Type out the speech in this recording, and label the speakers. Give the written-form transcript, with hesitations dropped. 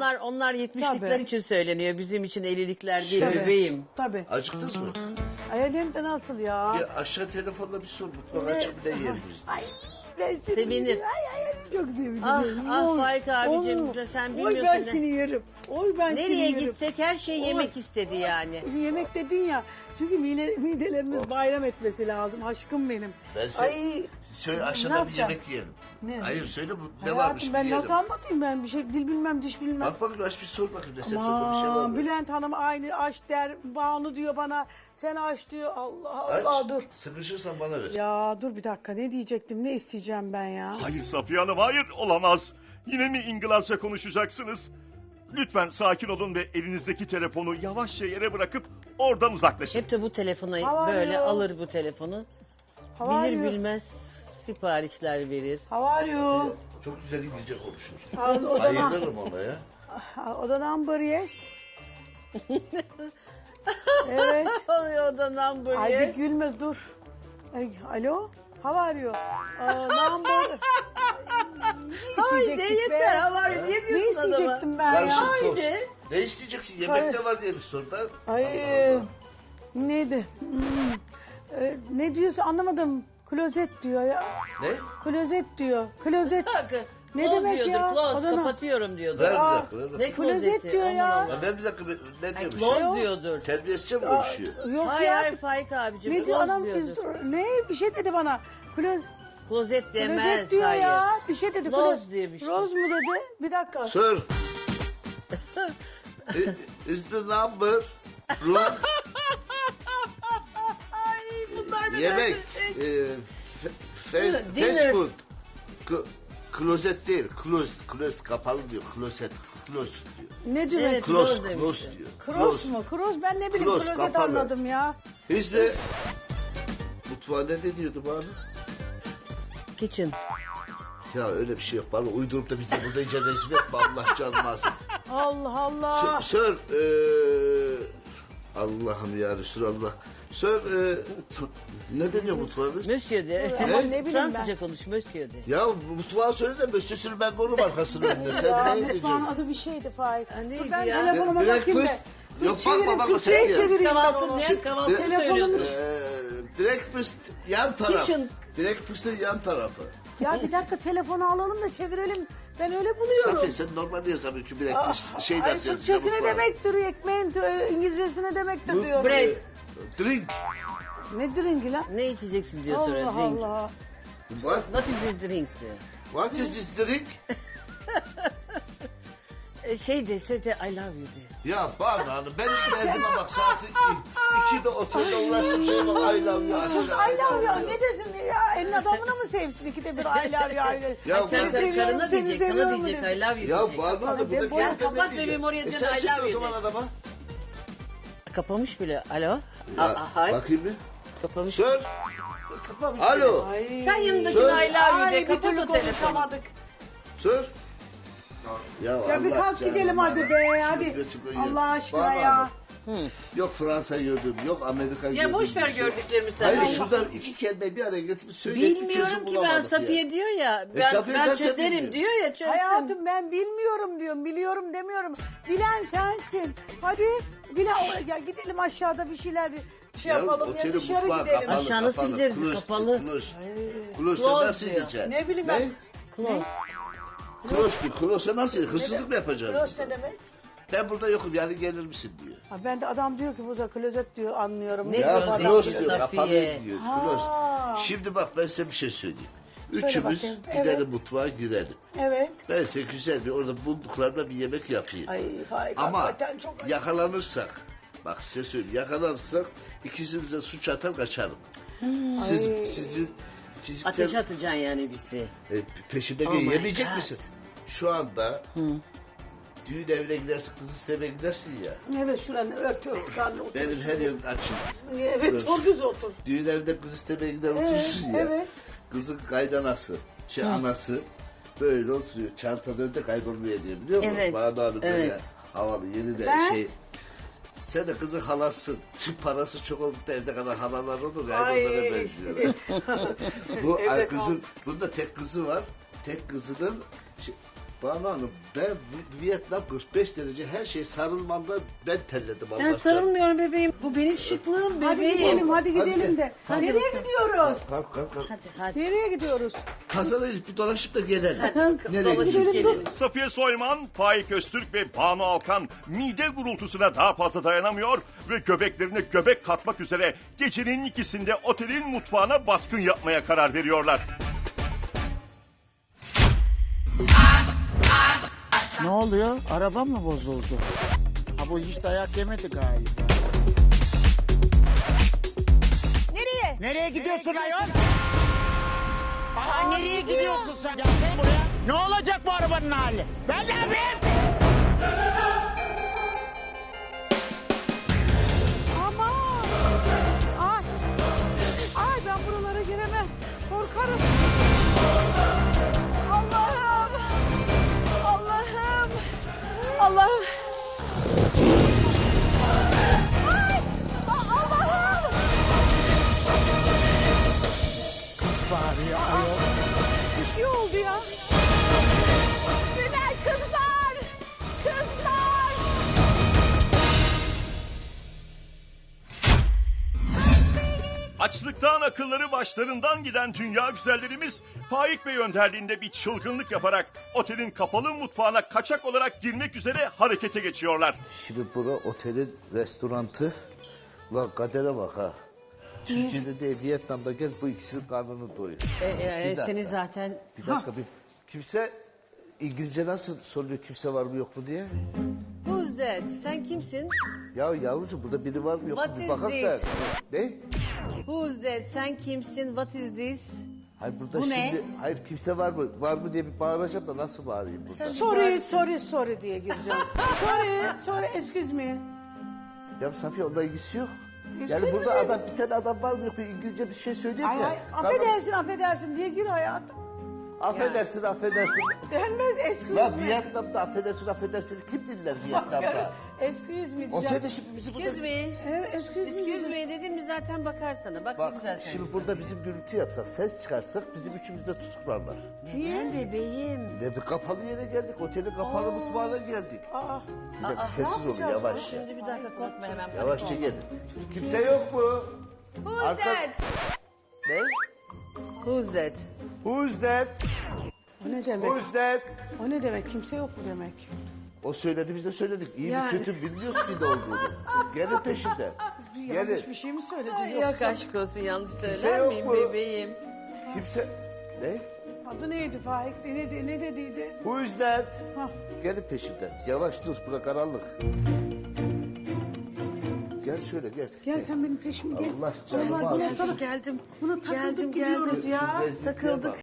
Speaker 1: onlar 70'likler
Speaker 2: Tabii.
Speaker 1: için söyleniyor. Bizim için 50'likler değil
Speaker 2: Tabii.
Speaker 1: bebeğim.
Speaker 2: Tabii.
Speaker 3: Acıktınız mı?
Speaker 2: Ay hem de nasıl ya?
Speaker 3: Ya aşağı telefonla bir sor. Mutfağa açıp ne yiyebiliriz?
Speaker 2: Ay ben seni
Speaker 1: Sevinir.
Speaker 2: yerim. Ay çok sevinirim.
Speaker 1: Ah Faik abicim, sen
Speaker 2: Oy
Speaker 1: bilmiyorsun
Speaker 2: ben
Speaker 1: ne-
Speaker 2: seni yerim. Oy ben seni
Speaker 1: Nereye
Speaker 2: yerim.
Speaker 1: gitsek her şey yemek istedi yani.
Speaker 2: Yemek dedin ya. Çünkü midelerimiz bayram etmesi lazım. Aşkım benim.
Speaker 3: Ben
Speaker 2: Ay
Speaker 3: Söyle
Speaker 2: ne
Speaker 3: aşağıda bir
Speaker 2: yapacağım?
Speaker 3: yemek yiyelim.
Speaker 2: Ne?
Speaker 3: Hayır söyle bu ne
Speaker 2: hayatım
Speaker 3: varmış
Speaker 2: ben
Speaker 3: bir yiyelim.
Speaker 2: nasıl anlatayım ben bir şey dil bilmem diş bilmem.
Speaker 3: Bak bakayım aç bir sor bakayım resepsiyonda bir şey var
Speaker 2: Aman
Speaker 3: mı?
Speaker 2: Bülent Hanım aynı aç der. Banu diyor bana. Sen aç diyor. Allah Allah
Speaker 3: Aç.
Speaker 2: dur.
Speaker 3: Sıkışırsan bana ver.
Speaker 2: Ya dur bir dakika ne diyecektim ne isteyeceğim ben ya.
Speaker 4: Hayır Safiye Hanım, hayır, olamaz. Yine mi İngilizce konuşacaksınız? Lütfen sakin olun ve elinizdeki telefonu yavaşça yere bırakıp oradan uzaklaşın.
Speaker 1: Hep de bu telefonu
Speaker 2: Hava
Speaker 1: böyle
Speaker 2: arıyor.
Speaker 1: alır bu telefonu.
Speaker 2: Hava
Speaker 1: Bilir
Speaker 2: arıyor.
Speaker 1: bilmez siparişler verir.
Speaker 2: How are you?
Speaker 3: Çok güzel İngilizce konuşur.
Speaker 2: Odana,
Speaker 3: Bayılırım ona ya.
Speaker 2: odana number yes. Evet.
Speaker 1: Oluyor o da number
Speaker 2: Ay bir
Speaker 1: yes.
Speaker 2: gülme dur. Ay, alo? How are you? Number. Ne
Speaker 1: Haydi
Speaker 2: isteyecektik be?
Speaker 1: yeter havar niye
Speaker 2: Ne
Speaker 1: diyorsun adama?
Speaker 2: isteyecektim ben ya?
Speaker 3: Karışık tost.
Speaker 1: Haydi.
Speaker 3: Ne isteyeceksin? Yemek
Speaker 2: Hayır.
Speaker 3: ne var diye bir sor da.
Speaker 2: Ay neydi? Ne diyorsun anlamadım. Klozet diyor ya.
Speaker 3: Ne?
Speaker 2: Klozet diyor. Klozet. Ne
Speaker 1: Close
Speaker 2: demek
Speaker 1: diyordur,
Speaker 2: ya?
Speaker 1: close,
Speaker 2: Odana.
Speaker 1: kapatıyorum diyordur.
Speaker 3: Ver bir
Speaker 2: Aa,
Speaker 3: dakika. Ver bir
Speaker 1: Ne
Speaker 3: dakika.
Speaker 2: klozet
Speaker 1: klozeti?
Speaker 2: diyor
Speaker 1: Aman
Speaker 2: ya.
Speaker 1: Allah.
Speaker 3: Ya ver bir dakika. Ne
Speaker 1: Ay,
Speaker 3: diyormuş?
Speaker 1: close
Speaker 3: ya?
Speaker 1: diyordur.
Speaker 3: Terbiyesizce mi konuşuyor?
Speaker 2: Yok
Speaker 1: Hayır
Speaker 2: ya.
Speaker 1: hayır Faik abicim.
Speaker 2: Ne diyor
Speaker 1: close
Speaker 2: adam?
Speaker 1: diyordur.
Speaker 2: Ne? Bir şey dedi bana.
Speaker 1: Klozet demez.
Speaker 2: Klozet diyor
Speaker 1: hayır.
Speaker 2: ya. Bir şey dedi.
Speaker 1: Close diye bir şey.
Speaker 2: Rose mu dedi? Bir dakika.
Speaker 3: Sir. Is the number room
Speaker 1: Ay bunlar da
Speaker 3: yemek
Speaker 1: böyle
Speaker 3: fast
Speaker 1: Dinner.
Speaker 3: food klozet değil close kapalı diyor klozet close diyor
Speaker 2: Ne diyor?
Speaker 1: Evet.
Speaker 3: close
Speaker 1: Close
Speaker 3: close
Speaker 1: demişti.
Speaker 3: diyor
Speaker 2: Cross mu? Cross ben ne bileyim
Speaker 3: Close,
Speaker 2: klozet
Speaker 3: kapalı.
Speaker 2: anladım ya.
Speaker 3: Biz de mutfağa ne deniyordu bana?
Speaker 1: Kitchen.
Speaker 3: Ya öyle bir şey yok bana uydurup da bizi burada iyice rezil etme Allah canını alsın.
Speaker 2: Allah Allah.
Speaker 3: Sir Allah'ım ya Resulallah. Sir ne deniyor mutfağımız?
Speaker 1: Monsieur de.
Speaker 2: Ama ne bileyim
Speaker 1: Fransızca
Speaker 2: ben.
Speaker 1: konuş Monsieur de.
Speaker 3: Ya mutfağı söyle de müstesini ben korum arkasının önünde.
Speaker 2: Ya
Speaker 3: Sen ne
Speaker 2: mutfağın
Speaker 3: ediyorsun?
Speaker 2: adı bir şeydi Faik.
Speaker 1: neydi
Speaker 2: Dur ben
Speaker 1: ya?
Speaker 2: telefonuma
Speaker 3: Breakfast.
Speaker 2: bakayım da.
Speaker 3: Yok,
Speaker 2: Çevireyim,
Speaker 3: bakma, bakma,
Speaker 2: Türkçe'ye
Speaker 3: sen
Speaker 2: çevireyim ben
Speaker 1: Kahvaltı
Speaker 2: onu.
Speaker 1: ne? Kahvaltı
Speaker 2: Telefonum-
Speaker 1: söylüyorsun.
Speaker 3: Breakfast yan taraf.
Speaker 1: Kitchen.
Speaker 3: Breakfast'ın yan tarafı.
Speaker 2: Ya bir dakika telefonu alalım da çevirelim. Ben öyle buluyorum.
Speaker 3: Safiye sen normalde yazamıyorsun ki breakfast. Şey
Speaker 2: Ay
Speaker 3: dersin.
Speaker 2: Türkçesi ne demektir? Ekmeğin İngilizcesi ne demektir
Speaker 3: Bu-
Speaker 2: diyorum.
Speaker 1: Bread.
Speaker 3: Drink.
Speaker 2: Ne drinki lan?
Speaker 1: Ne içeceksin diyor sonra
Speaker 2: Allah
Speaker 1: drink.
Speaker 2: Allah.
Speaker 3: What?
Speaker 1: What is this drink diyor.
Speaker 3: What is this drink?
Speaker 1: Şey dese de I love you de.
Speaker 3: Ya Banu Hanım benim derdime bak saati 2'de otelde uğraştım şey bak I love you.
Speaker 2: Ay love ya ne desin ya? Elin adamına mı sevsin ikide bir I love you I love you.
Speaker 3: Ya
Speaker 1: Sen
Speaker 3: ben-
Speaker 1: karına
Speaker 2: seni
Speaker 1: diyecek, sana
Speaker 2: seviyorum
Speaker 1: diyecek
Speaker 2: dedi.
Speaker 1: I love you
Speaker 3: Ya
Speaker 1: diyecek.
Speaker 3: Banu Hanım burada
Speaker 2: defol,
Speaker 3: kendine
Speaker 1: kapat
Speaker 3: diyecek.
Speaker 1: bebeğim, oraya dön,
Speaker 3: sen
Speaker 1: I
Speaker 3: söyle
Speaker 1: love
Speaker 3: o
Speaker 1: you
Speaker 3: zaman
Speaker 1: de.
Speaker 3: adama.
Speaker 1: Kapamış bile. Alo?
Speaker 3: Ya,
Speaker 1: Hayır.
Speaker 3: bakayım bir.
Speaker 1: Kapamış.
Speaker 3: Sir.
Speaker 1: Kapamış
Speaker 3: Alo.
Speaker 1: bile. Sen yanındakine I love you
Speaker 2: Ay
Speaker 1: de.
Speaker 2: bir
Speaker 1: Kapat
Speaker 2: türlü
Speaker 1: o telefonu.
Speaker 2: konuşamadık.
Speaker 3: Sir.
Speaker 2: Ya bir
Speaker 3: Allah
Speaker 2: kalk
Speaker 3: canını
Speaker 2: gidelim hadi
Speaker 3: alsın.
Speaker 2: be hadi.
Speaker 3: Şükret'i koyun.
Speaker 2: Allah aşkına
Speaker 3: Banu
Speaker 2: ya.
Speaker 3: Hanım, yok Fransa gördüm, yok Amerika gördüm.
Speaker 1: Ya boş ver
Speaker 3: bir şey.
Speaker 1: gördüklerimi sen.
Speaker 3: Hayır
Speaker 1: Allah.
Speaker 3: şurada iki kelimeyi bir araya getirip söyleyip bir çözüm
Speaker 1: Bilmiyorum ki ben
Speaker 3: bulamadık
Speaker 1: Safiye
Speaker 3: ya.
Speaker 1: diyor ya.
Speaker 3: Safiye
Speaker 1: Ben
Speaker 3: sen
Speaker 1: çözerim
Speaker 3: bilmiyorsun.
Speaker 1: diyor ya çözsün.
Speaker 2: Hayatım ben bilmiyorum diyorum, biliyorum demiyorum. Bilen sensin. Hadi ya gidelim aşağıda bir şeyler şey yapalım ya
Speaker 3: otelin
Speaker 2: dışarı
Speaker 3: mutfağı
Speaker 2: gidelim.
Speaker 3: kapalı,
Speaker 1: Aşağı nasıl
Speaker 3: kapalı.
Speaker 1: gideriz?
Speaker 3: Close,
Speaker 1: Kapalı.
Speaker 3: Close. Close
Speaker 1: Close
Speaker 3: nasıl
Speaker 1: diyor.
Speaker 3: gideceksin?
Speaker 2: Ne bileyim ben.
Speaker 1: Close.
Speaker 3: Close nasıl? Hırsızlık mı yapacağız?
Speaker 2: Close ne demek?
Speaker 3: Ben burada yokum yani gelir misin diyor.
Speaker 2: Ha, ben de adam diyor ki buza klozet diyor anlıyorum.
Speaker 1: Ne
Speaker 3: Ya
Speaker 1: Close
Speaker 3: close
Speaker 1: diyor,
Speaker 3: diyor,
Speaker 1: Safiye.
Speaker 3: kapalı diyor. Close.
Speaker 2: Ha.
Speaker 3: Şimdi bak ben size bir şey söyleyeyim.
Speaker 2: Söyle
Speaker 3: Üçümüz
Speaker 2: bakayım.
Speaker 3: gidelim
Speaker 2: Evet.
Speaker 3: mutfağa girelim.
Speaker 2: Evet.
Speaker 3: Ben size güzel bir orada bulduklarında bir yemek yapayım.
Speaker 2: Ay harika.
Speaker 3: Ama
Speaker 2: hakikaten çok acı.
Speaker 3: yakalanırsak, bak size söyleyeyim, yakalanırsak ikisiniz de suç atar kaçarım. Sizi fiziksel
Speaker 1: Ateş atacaksın yani bizi.
Speaker 3: peşimde
Speaker 1: Oh my
Speaker 3: yemeyecek
Speaker 1: God.
Speaker 3: misin? Şu anda düğün evine gidersin, kız istemeye gidersin ya.
Speaker 2: Evet şuranı ört.
Speaker 3: Benim her yerim açık.
Speaker 2: Evet çok güzel otur.
Speaker 3: Düğün evinde kız istemeye gider oturursun ya.
Speaker 2: evet.
Speaker 3: Kızın kaydanası, anası böyle oturuyor. Çantada önde kaybolmaya diyor biliyor musun?
Speaker 1: Evet,
Speaker 3: Bana Hanım böyle
Speaker 1: evet.
Speaker 3: havalı yeni de
Speaker 2: Ben-
Speaker 3: şey. Sen de kızın halasın. Tüm parası çok olup da evde kadar halalar olur ya.
Speaker 2: Ay.
Speaker 3: Onlara benziyor. Bu
Speaker 2: Evet,
Speaker 3: kızın, bunda tek kızı var. Tek kızının Banu Hanım ben Vietnam 45 derece her şey sarılmanda ben terledim
Speaker 1: Ben
Speaker 3: Allah'tan.
Speaker 1: sarılmıyorum bebeğim. Bu benim şıklığım
Speaker 2: Hadi
Speaker 1: bebeğim.
Speaker 2: gidelim, hadi gidelim de.
Speaker 1: Hadi
Speaker 2: Nereye
Speaker 1: bakalım.
Speaker 2: gidiyoruz?
Speaker 3: Kalk kalk kalk.
Speaker 1: Hadi.
Speaker 2: Nereye gidiyoruz?
Speaker 3: Pazara bir dolaşıp da gelelim. Nereye
Speaker 1: Dolaşıp
Speaker 3: gidiyoruz?
Speaker 1: gelelim.
Speaker 4: Safiye Soyman, Faik Öztürk ve Banu Alkan mide gurultusuna daha fazla dayanamıyor ve göbeklerine göbek katmak üzere gecenin ikisinde otelin mutfağına baskın yapmaya karar veriyorlar.
Speaker 5: Ne oluyor? Araba mı bozuldu? Ha bu hiç dayak yemedi galiba.
Speaker 2: Nereye?
Speaker 5: Nereye gidiyorsun ayol? Aa, nereye gidiyorsun sen? Gelsene buraya. Ne olacak bu arabanın hali? Ben ne yapayım?
Speaker 2: Aman! Ay! Ay ben buralara giremem. Korkarım. Allah'ım! Allah'ım! Allah'ım! Ay! Allah'ım!
Speaker 5: Kız bağırıyor ayol.
Speaker 2: Bir şey oldu ya. Günay kızlar! Kızlar!
Speaker 4: Açlıktan akılları başlarından giden dünya güzellerimiz Faik Bey önderliğinde bir çılgınlık yaparak otelin kapalı mutfağına kaçak olarak girmek üzere harekete geçiyorlar.
Speaker 3: Şimdi bura otelin restorantı. Ulan kadere bak ha. Türkiye'de de Vietnam'da gel bu ikisinin karnını doyur. Bir dakika.
Speaker 1: Seni zaten...
Speaker 3: Bir dakika bir. Kimse İngilizce nasıl soruyor kimse var mı yok mu diye?
Speaker 1: Who's that? Sen kimsin?
Speaker 3: Ya yavrucuğum burada biri var mı yok
Speaker 1: What
Speaker 3: mu bir
Speaker 1: is
Speaker 3: bakalım da.
Speaker 1: this?
Speaker 3: Ne?
Speaker 1: Who's that? Sen kimsin? What is this?
Speaker 3: Hayır burada
Speaker 1: Bu ne?
Speaker 3: şimdi hayır kimse var mı? Var mı diye bir bağıracağım da nasıl bağırayım burada?
Speaker 2: Sorry diye gireceğim. sorry, excuse me.
Speaker 3: Ya Safiye onunla ilgisi yok.
Speaker 2: Excuse
Speaker 3: Yani burada
Speaker 2: me.
Speaker 3: adam bir tane adam var mı yok mu İngilizce bir şey söylüyor
Speaker 2: Ay,
Speaker 3: ya.
Speaker 2: ay,
Speaker 3: Tamam.
Speaker 2: affedersin diye gir hayatım.
Speaker 3: Affedersin.
Speaker 2: Denmez excuse
Speaker 3: Lan
Speaker 2: me.
Speaker 3: Vietnam'da affedersin kim dinler Vietnam'da?
Speaker 2: Excuse me diyeceğim.
Speaker 3: Otelde şimdi bizi burada...
Speaker 1: Excuse me.
Speaker 2: Evet, excuse me.
Speaker 1: Excuse me dedin mi zaten bakar sana. Bak, ne
Speaker 3: Bak
Speaker 1: güzel sen.
Speaker 3: şimdi burada bizim gürültü yapsak, ses çıkarsak bizim üçümüzü de tutuklarlar.
Speaker 1: Neden bebeğim?
Speaker 3: Ne bir kapalı yere geldik, otelin kapalı mutfağına geldik.
Speaker 2: Aa,
Speaker 3: Bir dakika sessiz olun yavaş.
Speaker 1: Şimdi bir dakika korkma hemen. panik
Speaker 3: Yavaşça
Speaker 1: olma.
Speaker 3: gelin. Kimse yok mu?
Speaker 1: Who's
Speaker 3: Arka-
Speaker 1: that?
Speaker 3: Ne?
Speaker 1: Who's that?
Speaker 3: Who's that?
Speaker 2: o ne demek?
Speaker 3: Who's that?
Speaker 2: O ne demek? Kimse yok mu demek?
Speaker 3: O söyledi biz de söyledik. İyi
Speaker 1: Yani.
Speaker 3: mi kötü mü bilmiyoruz ki ne olduğunu. Gelin peşinden. Gelin.
Speaker 2: Yanlış bir şey mi söyledin
Speaker 1: Yok
Speaker 2: yoksa?
Speaker 1: aşk olsun yanlış
Speaker 3: Kimse
Speaker 1: söyler
Speaker 3: yok
Speaker 1: miyim
Speaker 3: mu?
Speaker 1: bebeğim?
Speaker 3: Kimse... Ne?
Speaker 2: Adı neydi Faik? Ne dediydi?
Speaker 3: Who's that?
Speaker 2: Hah.
Speaker 3: Gelin peşimden. Yavaş dur bura karanlık. Gel şöyle gel.
Speaker 2: Gel sen benim peşime gel.
Speaker 3: Allah canımı
Speaker 2: Allah,
Speaker 3: alsın.
Speaker 2: sana-
Speaker 1: Geldim.
Speaker 2: Buna takıldık
Speaker 1: Geldim,
Speaker 2: gidiyoruz
Speaker 1: geldim.
Speaker 2: ya.
Speaker 3: Şu lezzetliğe
Speaker 1: Takıldık.
Speaker 3: bak.